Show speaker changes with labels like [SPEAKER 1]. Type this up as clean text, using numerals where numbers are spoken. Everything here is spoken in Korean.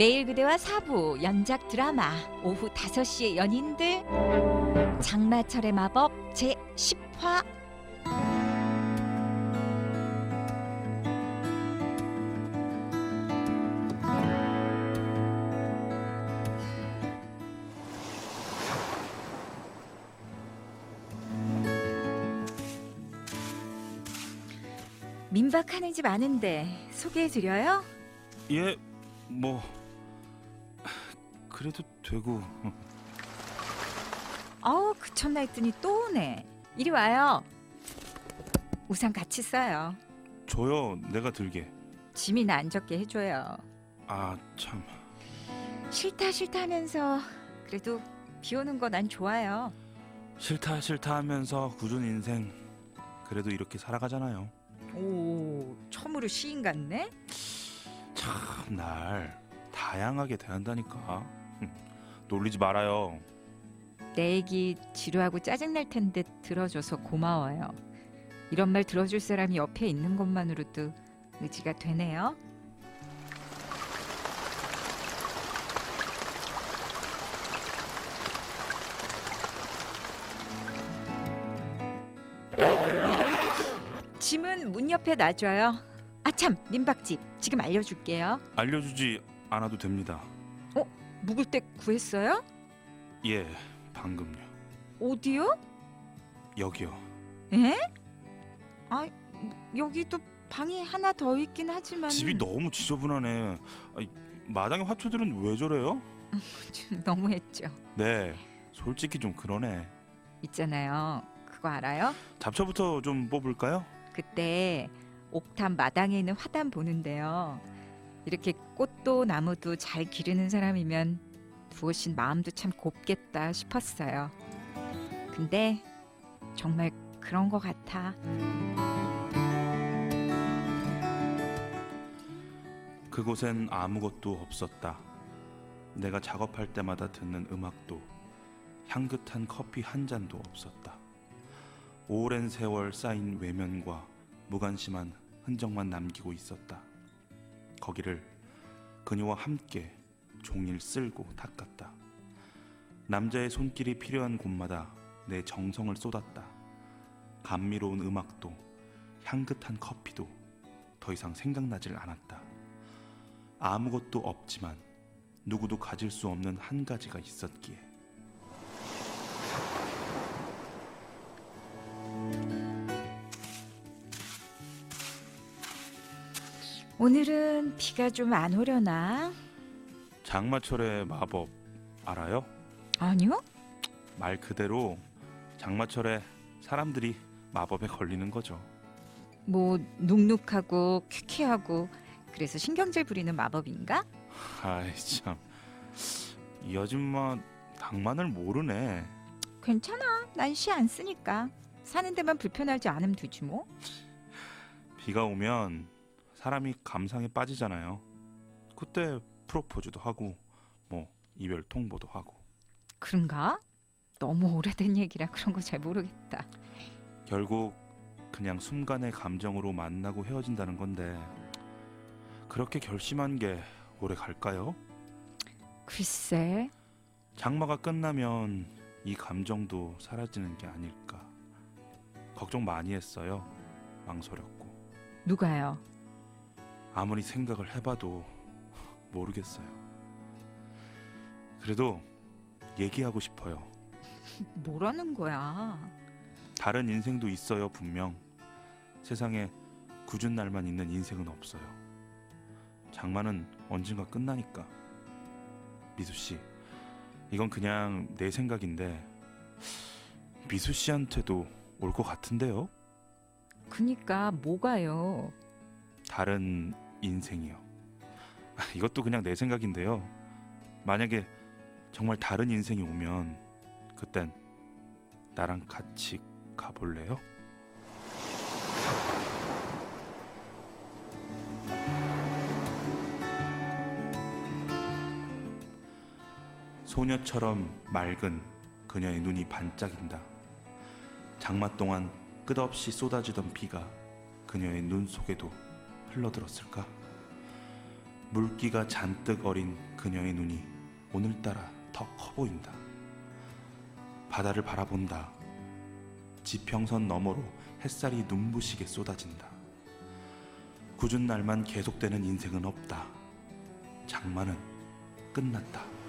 [SPEAKER 1] 내일 그대와 사부 연작 드라마 오후 5시에 연인들 장마철의 마법 제10화. 민박하는 집 아는데 소개해드려요?
[SPEAKER 2] 예, 뭐 그래도 되고.
[SPEAKER 1] 그쳤나 했더니 또 오네. 이리 와요. 우산 같이 써요.
[SPEAKER 2] 줘요, 내가 들게.
[SPEAKER 1] 짐이나 안 적게 해줘요.
[SPEAKER 2] 아, 참.
[SPEAKER 1] 싫다 하면서 그래도 비 오는 거 난 좋아요.
[SPEAKER 2] 싫다 하면서 굳은 인생 그래도 이렇게 살아가잖아요.
[SPEAKER 1] 오, 처음으로 시인 같네?
[SPEAKER 2] 참, 날 다양하게 대한다니까. 놀리지 말아요.
[SPEAKER 1] 내 얘기 지루하고 짜증날 텐데 들어줘서 고마워요. 이런 말 들어줄 사람이 옆에 있는 것만으로도 의지가 되네요. 짐은 문 옆에 놔줘요. 아참, 민박집 지금 알려줄게요.
[SPEAKER 2] 알려주지 않아도 됩니다.
[SPEAKER 1] 묵을 때 구했어요?
[SPEAKER 2] 예, 방금요.
[SPEAKER 1] 어디요?
[SPEAKER 2] 여기요.
[SPEAKER 1] 에? 여기도 방이 하나 더 있긴 하지만
[SPEAKER 2] 집이 너무 지저분하네. 마당의 화초들은 왜 저래요?
[SPEAKER 1] 좀 너무했죠.
[SPEAKER 2] 네, 솔직히 좀 그러네.
[SPEAKER 1] 있잖아요. 그거 알아요?
[SPEAKER 2] 잡초부터 좀 뽑을까요?
[SPEAKER 1] 그때 옥탑 마당에 있는 화단 보는데요. 이렇게 꽃도 나무도 잘 기르는 사람이면 부으신 마음도 참 곱겠다 싶었어요. 근데 정말 그런 것 같아.
[SPEAKER 2] 그곳엔 아무것도 없었다. 내가 작업할 때마다 듣는 음악도, 향긋한 커피 한 잔도 없었다. 오랜 세월 쌓인 외면과 무관심한 흔적만 남기고 있었다. 거기를 그녀와 함께 종일 쓸고 닦았다. 남자의 손길이 필요한 곳마다 내 정성을 쏟았다. 감미로운 음악도 향긋한 커피도 더 이상 생각나질 않았다. 아무것도 없지만 누구도 가질 수 없는 한 가지가 있었기에.
[SPEAKER 1] 오늘은 비가 좀 안 오려나?
[SPEAKER 2] 장마철의 마법 알아요?
[SPEAKER 1] 아니요?
[SPEAKER 2] 말 그대로 장마철에 사람들이 마법에 걸리는 거죠.
[SPEAKER 1] 뭐 눅눅하고 퀴퀴하고 그래서 신경질 부리는 마법인가?
[SPEAKER 2] 아이 참, 이 아줌마 낭만을 모르네.
[SPEAKER 1] 괜찮아. 난 시 안 쓰니까. 사는 데만 불편하지 않으면 되지 뭐.
[SPEAKER 2] 비가 오면 사람이 감상에 빠지잖아요. 그때 프로포즈도 하고 뭐 이별 통보도 하고.
[SPEAKER 1] 그런가? 너무 오래된 얘기라 그런 거 잘 모르겠다.
[SPEAKER 2] 결국 그냥 순간의 감정으로 만나고 헤어진다는 건데, 그렇게 결심한 게 오래 갈까요?
[SPEAKER 1] 글쎄.
[SPEAKER 2] 장마가 끝나면 이 감정도 사라지는 게 아닐까. 걱정 많이 했어요. 망설였고.
[SPEAKER 1] 누가요?
[SPEAKER 2] 아무리 생각을 해봐도 모르겠어요. 그래도 얘기하고 싶어요.
[SPEAKER 1] 뭐라는 거야?
[SPEAKER 2] 다른 인생도 있어요, 분명. 세상에 굳은 날만 있는 인생은 없어요. 장마는 언젠가 끝나니까. 미수 씨, 이건 그냥 내 생각인데 미수 씨한테도 올 것 같은데요?
[SPEAKER 1] 그니까 뭐가요?
[SPEAKER 2] 다른 인생이요. 이것도 그냥 내 생각인데요. 만약에 정말 다른 인생이 오면 그땐 나랑 같이 가볼래요? 소녀처럼 맑은 그녀의 눈이 반짝인다. 장마 동안 끝없이 쏟아지던 비가 그녀의 눈 속에도 흘러들었을까? 물기가 잔뜩 어린 그녀의 눈이 오늘따라 더 커 보인다. 바다를 바라본다. 지평선 너머로 햇살이 눈부시게 쏟아진다. 굳은 날만 계속되는 인생은 없다. 장마는 끝났다.